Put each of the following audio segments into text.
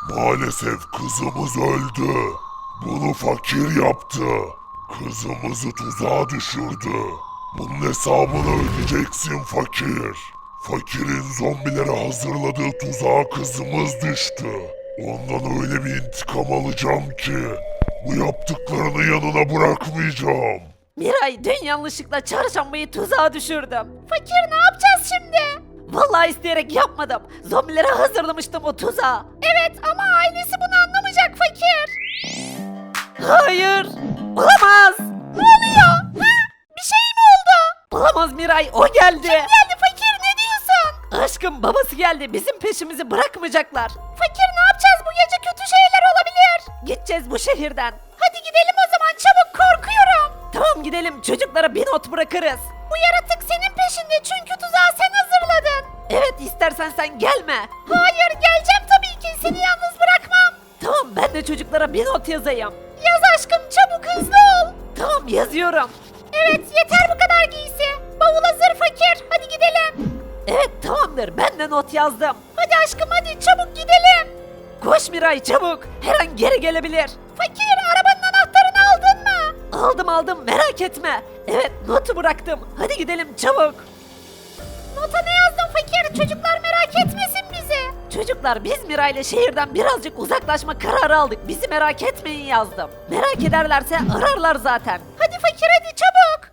Maalesef kızımız öldü. Bunu fakir yaptı. Kızımızı tuzağa düşürdü. Bunun hesabını ödeyeceksin fakir. Fakirin zombilere hazırladığı tuzağa kızımız düştü. Ondan öyle bir intikam alacağım ki bu yaptıklarını yanına bırakmayacağım. Miray, dün yanlışlıkla çarşambayı tuzağa düşürdüm. Fakir, ne yapacağız şimdi? Vallahi isteyerek yapmadım. Zombilere hazırlamıştım o tuzağı. Evet ama ailesi bunu anlamayacak fakir. Hayır. Olamaz. Ne oluyor? Ha? Bir şey mi oldu? Olamaz Miray, o geldi. Kim geldi fakir, ne diyorsun? Aşkım, babası geldi, bizim peşimizi bırakmayacaklar. Fakir, ne yapacağız, bu gece kötü şeyler olabilir. Gideceğiz bu şehirden. Hadi gidelim o zaman, çabuk, korkuyorum. Tamam gidelim, çocuklara bir not bırakırız. Bu yaratık senin peşinde çünkü tuzağı sen hazırladın. Evet, istersen sen gelme. Hayır, geleceğim tabii ki, seni yalnız bırakmam. Tamam, ben de çocuklara bir not yazayım. Yaz aşkım, çabuk, hızlı ol. Tamam, yazıyorum. Evet, yeter bu kadar giysi. Bavul hazır fakir, hadi gidelim. Evet, tamamdır, ben de not yazdım. Hadi aşkım, hadi çabuk gidelim. Koş Miray, çabuk, her an geri gelebilir. Fakir, arabanın anahtarını aldın mı? Aldım, merak etme. Evet, notu bıraktım, hadi gidelim çabuk. Nota ne yazdın fakir? Çocuklar merak etmesin bizi. Çocuklar, biz Miray ile şehirden birazcık uzaklaşma kararı aldık. Bizi merak etmeyin yazdım. Merak ederlerse ararlar zaten. Hadi fakir, hadi çabuk.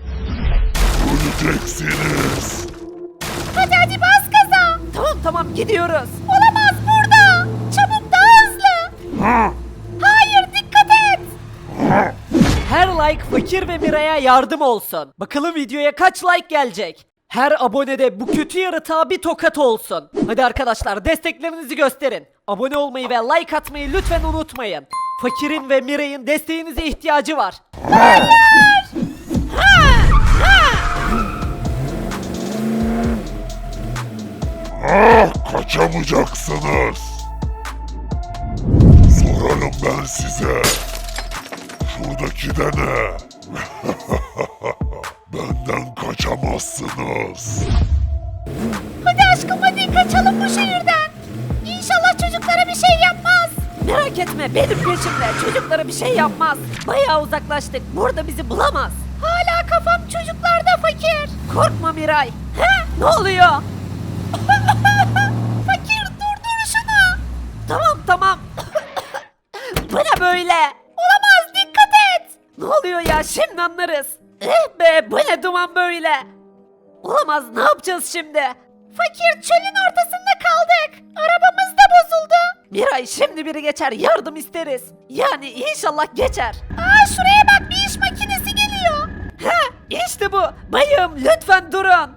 Öleceksiniz. Hadi bas gaza. Tamam gidiyoruz. Olamaz, burada. Çabuk, daha hızlı. Hayır, dikkat et. Her like fakir ve Miray'a yardım olsun. Bakalım videoya kaç like gelecek? Her abonede bu kötü yaratığa bir tokat olsun. Hadi arkadaşlar, desteklerinizi gösterin. Abone olmayı ve like atmayı lütfen unutmayın. Fakirin ve Miray'ın desteğinize ihtiyacı var. Kaçamayacaksınız. Sorarım ben size. Şuradaki de ne? Benden kaçamazsınız. Hadi aşkım, hadi kaçalım bu şehirden. İnşallah çocuklara bir şey yapmaz. Merak etme, benim peşimde, çocuklara bir şey yapmaz. Bayağı uzaklaştık, burada bizi bulamaz. Hala kafam çocuklarda fakir. Korkma Miray. He? Ne oluyor? Fakir, durdur şunu. Tamam. Bu ne böyle? Olamaz, dikkat et. Ne oluyor ya, şimdi anlarız. Be, bu ne duman böyle? Olamaz, ne yapacağız şimdi? Fakir, çölün ortasında kaldık. Arabamız da bozuldu. Miray, şimdi biri geçer, yardım isteriz. Yani inşallah geçer. Şuraya bak, bir iş makinesi geliyor. İşte bu. Bayım, lütfen durun.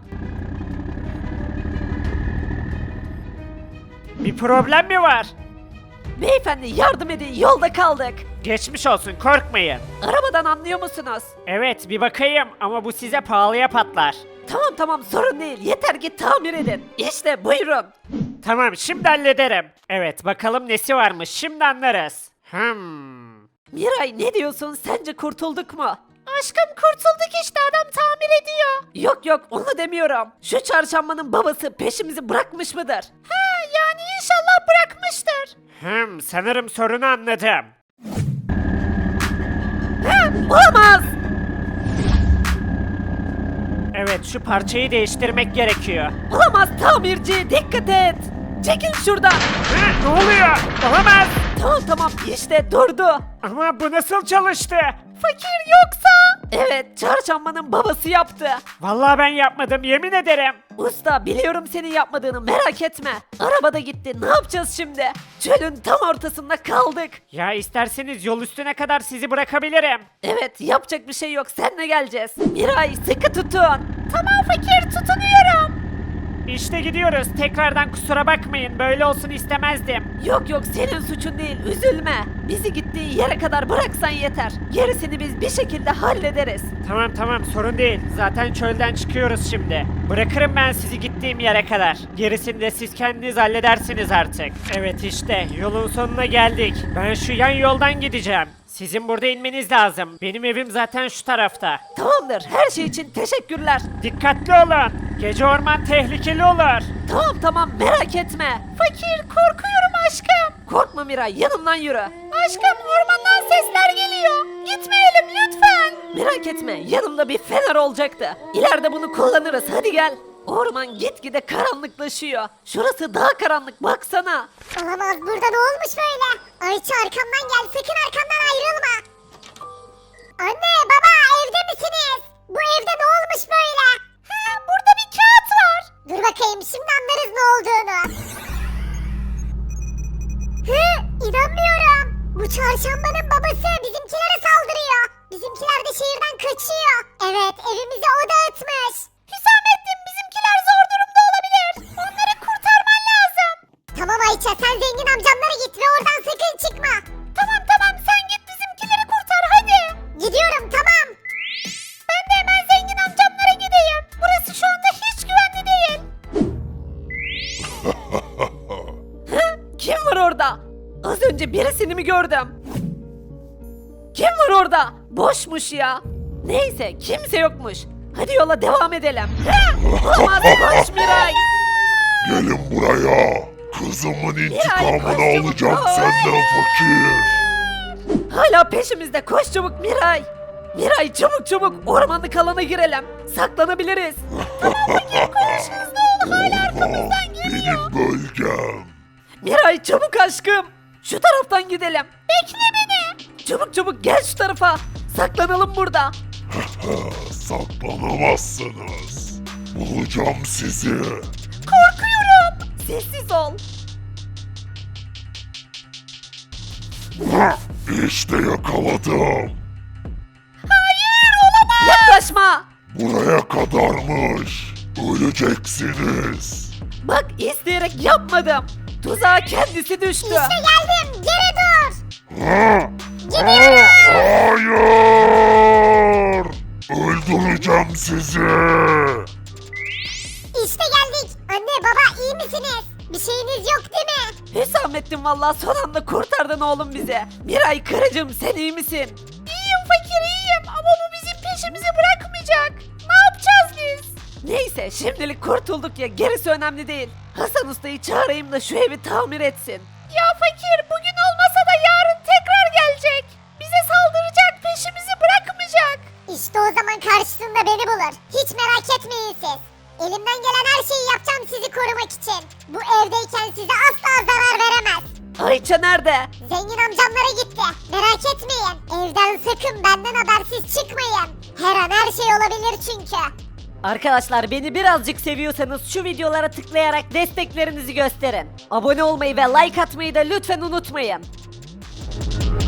Bir problem mi var? Beyefendi, yardım edin, yolda kaldık. Geçmiş olsun, korkmayın. Arabadan anlıyor musunuz? Evet, bir bakayım ama bu size pahalıya patlar. Tamam, sorun değil, yeter ki tamir edin. İşte buyurun. Tamam, şimdi hallederim. Evet, bakalım nesi varmış, şimdi anlarız. Miray, ne diyorsun, sence kurtulduk mu? Aşkım, kurtulduk işte, adam tamir ediyor. Yok, onu demiyorum. Şu çarşambanın babası peşimizi bırakmış mıdır? Yani inşallah bırakmıştır. Sanırım sorunu anladım. Olamaz. Evet, şu parçayı değiştirmek gerekiyor. Olamaz tamirci, dikkat et. Çekil şuradan. Ne oluyor? Olamaz. Tamam, işte durdu. Ama bu nasıl çalıştı? Fakir yoksa? Evet, çarşambanın babası yaptı. Vallahi ben yapmadım, yemin ederim. Usta, biliyorum senin yapmadığını, merak etme. Arabada gitti, ne yapacağız şimdi? Çölün tam ortasında kaldık. Ya isterseniz yol üstüne kadar sizi bırakabilirim. Evet, yapacak bir şey yok, seninle geleceğiz. Miray, sıkı tutun. Tamam fakir, tutunuyorum. İşte gidiyoruz. Tekrardan kusura bakmayın. Böyle olsun istemezdim. Yok, senin suçun değil, üzülme. Bizi gittiği yere kadar bıraksan yeter. Gerisini biz bir şekilde hallederiz. Tamam sorun değil. Zaten çölden çıkıyoruz şimdi. Bırakırım ben sizi gittiğim yere kadar. Gerisini de siz kendiniz halledersiniz artık. Evet işte yolun sonuna geldik. Ben şu yan yoldan gideceğim. Sizin burada inmeniz lazım. Benim evim zaten şu tarafta. Tamamdır, her şey için teşekkürler. Dikkatli olun. Gece orman tehlikeli olur. Tamam, merak etme. Fakir, korkuyorum aşkım. Yapma Miray, yanımdan yürü. Aşkım, ormandan sesler geliyor. Gitmeyelim lütfen. Merak etme, yanımda bir fener olacaktı. İleride bunu kullanırız, hadi gel. Orman gitgide karanlıklaşıyor. Şurası daha karanlık, baksana. Olamaz, burada ne olmuş böyle? Ayça arkamdan gel, sakın arkamdan ayrılma. Anne, baba, evde misiniz? Bu evde ne olmuş böyle? Ha, burada bir kağıt var. Dur bakayım, şimdi anlarız ne olduğunu. Hı, inanmıyorum. Bu çarşambanın babası bizimkilere saldırıyor. Bizimkiler de şehirden kaçıyor. Evet, evimizi o dağıtmış. Hüsamettin, bizimkiler zor durumda olabilir. Onları kurtarman lazım. Tamam Ayça, sen zengin amcamlara git ve oradan sakın çıkma. Tamam tamam, sen git bizimkileri kurtar hadi. Gidiyorum, tamam. Ben de hemen zengin amcamlara gideyim. Burası şu anda hiç güvenli değil. Kim var orada? Az önce birisini mi gördüm? Kim var orada? Boşmuş ya. Neyse, kimse yokmuş. Hadi yola devam edelim. Olamaz, koş Miray. Gelin buraya. Kızımın intikamını koş çabuk, alacağım koş. senden fakir. Hala peşimizde, koş çabuk Miray. Miray, çabuk çabuk ormanlık alana girelim. Saklanabiliriz. Orman benim bölgem. Miray, çabuk aşkım. Şu taraftan gidelim. Bekle beni. Çabuk çabuk gel şu tarafa. Saklanalım burada. Saklanamazsınız. Bulacağım sizi. Korkuyorum. Sessiz ol. İşte yakaladım. Yaklaşma. Buraya kadarmış. Öleceksiniz. Bak, isteyerek yapmadım. Tuzağa kendisi düştü. İşte geldim, geri dur. Ha? Gidiyorum. Hayır! Öldüreceğim sizi. İşte geldik. Anne, baba, iyi misiniz? Bir şeyiniz yok değil mi? Hüsamettin, vallahi son anda kurtardın oğlum bizi. Miray karıcığım, sen iyi misin? İyiyim fakir, iyiyim ama bu bizim peşimizi bırakmayacak. Ne yapacağız biz? Neyse, şimdilik kurtulduk ya, gerisi önemli değil. Hasan Usta'yı çağırayım da şu evi tamir etsin. Ya fakir, bugün olmasa da yarın tekrar gelecek. Bize saldıracak, peşimizi bırakmayacak. İşte o zaman karşısında beni bulur. Hiç merak etmeyin siz. Elimden gelen her şeyi yapacağım sizi korumak için. Bu evdeyken size asla zarar veremez. Ayça nerede? Zengin amcamlara gitti. Merak etmeyin. Evden sakın benden habersiz çıkmayın. Her an her şey olabilir çünkü. Arkadaşlar, beni birazcık seviyorsanız şu videolara tıklayarak desteklerinizi gösterin. Abone olmayı ve like atmayı da lütfen unutmayın.